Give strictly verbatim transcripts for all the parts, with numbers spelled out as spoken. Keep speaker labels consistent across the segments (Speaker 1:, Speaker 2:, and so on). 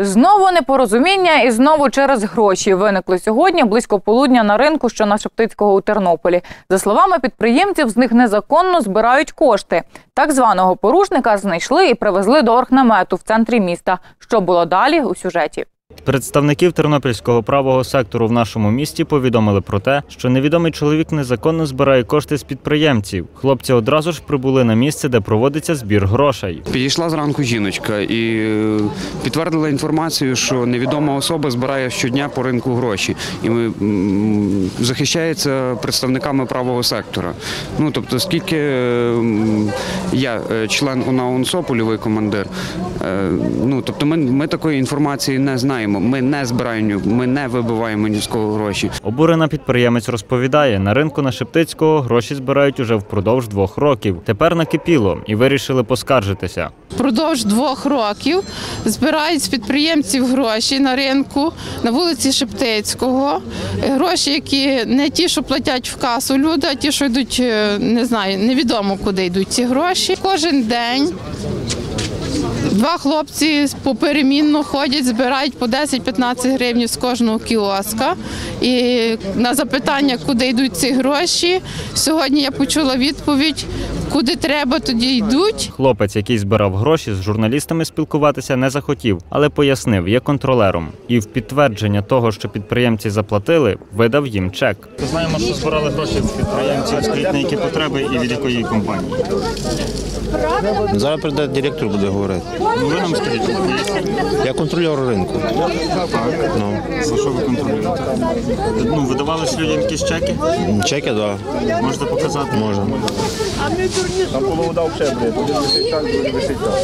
Speaker 1: Знову непорозуміння і знову через гроші виникли сьогодні близько полудня на ринку, що на Шептицького у Тернополі. За словами підприємців, з них незаконно збирають кошти. Так званого порушника знайшли і привезли до оргнамету в центрі міста. Що було далі – у сюжеті.
Speaker 2: Представників тернопільського правого сектору в нашому місті повідомили про те, що невідомий чоловік незаконно збирає кошти з підприємців. Хлопці одразу ж прибули на місце, де проводиться збір грошей.
Speaker 3: Підійшла зранку жіночка і підтвердила інформацію, що невідома особа збирає щодня по ринку гроші і захищається представниками правого сектора. Ну, тобто, скільки я член УНАУНСО, польовий командир, ну, тобто ми, ми такої інформації не знаємо. Ми не збираємо, ми не вибиваємо ні з кого гроші.
Speaker 2: Обурена підприємець розповідає, на ринку на Шептицького гроші збирають уже впродовж двох років. Тепер накипіло і вирішили поскаржитися.
Speaker 4: Впродовж двох років збирають з підприємців гроші на ринку, на вулиці Шептицького. Гроші, які не ті, що платять в касу люди, а ті, що йдуть, не знаю, невідомо куди йдуть ці гроші. Кожен день два хлопці поперемінно ходять, збирають по десять-п'ятнадцять гривень з кожного кіоска. І на запитання, куди йдуть ці гроші, сьогодні я почула відповідь, куди треба, тоді йдуть.
Speaker 2: Хлопець, який збирав гроші, з журналістами спілкуватися не захотів, але пояснив, є контролером. І в підтвердження того, що підприємці заплатили, видав їм чек. Знаємо, що збирали гроші з підприємців, скажіть, на які потреби і від якої компанії?
Speaker 5: Зараз прийде директор, буде говорити.
Speaker 2: Ну, ви нам скажіть,
Speaker 5: я контролер ринку.
Speaker 2: Так.
Speaker 5: Ну.
Speaker 2: За що ви контролюєте? Ну, видавали ж людям якісь чеки?
Speaker 5: Чеки, так.
Speaker 2: Да. Можете показати?
Speaker 5: Можна.
Speaker 6: На половину дав ще, блядь, буде висить так, буде висить так.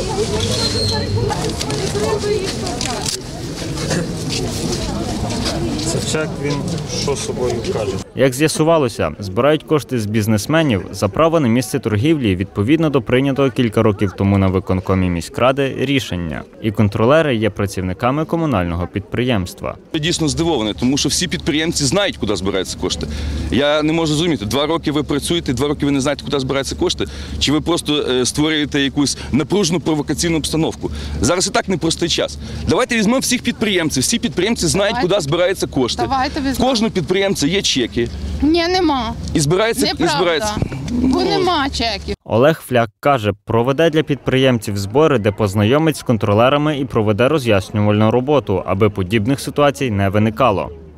Speaker 2: Це чек, він що собою каже? Як з'ясувалося, збирають кошти з бізнесменів за право на місце торгівлі відповідно до прийнятого кілька років тому на виконкомі міськради рішення. І контролери є працівниками комунального підприємства.
Speaker 7: Я дійсно здивований, тому що всі підприємці знають, куди збираються кошти. Я не можу зрозуміти, два роки ви працюєте, два роки ви не знаєте, куди збираються кошти, чи ви просто створюєте якусь напружену провокаційну обстановку. Зараз і так непростий час. Давайте візьмемо всіх підприємців. Всі підприємці знають,
Speaker 4: Давайте.
Speaker 7: куди збираються кошти.
Speaker 4: Давайте
Speaker 7: В кожного підприємця є чеки.
Speaker 4: Ні, нема.
Speaker 7: І збирається, і
Speaker 4: Неправда.
Speaker 7: збирається.
Speaker 4: Бо нема чеків.
Speaker 2: Олег Фляк каже, проведе для підприємців збори, де познайомить з контролерами і проведе роз'яснювальну роботу, аби подібних ситуацій не виникало.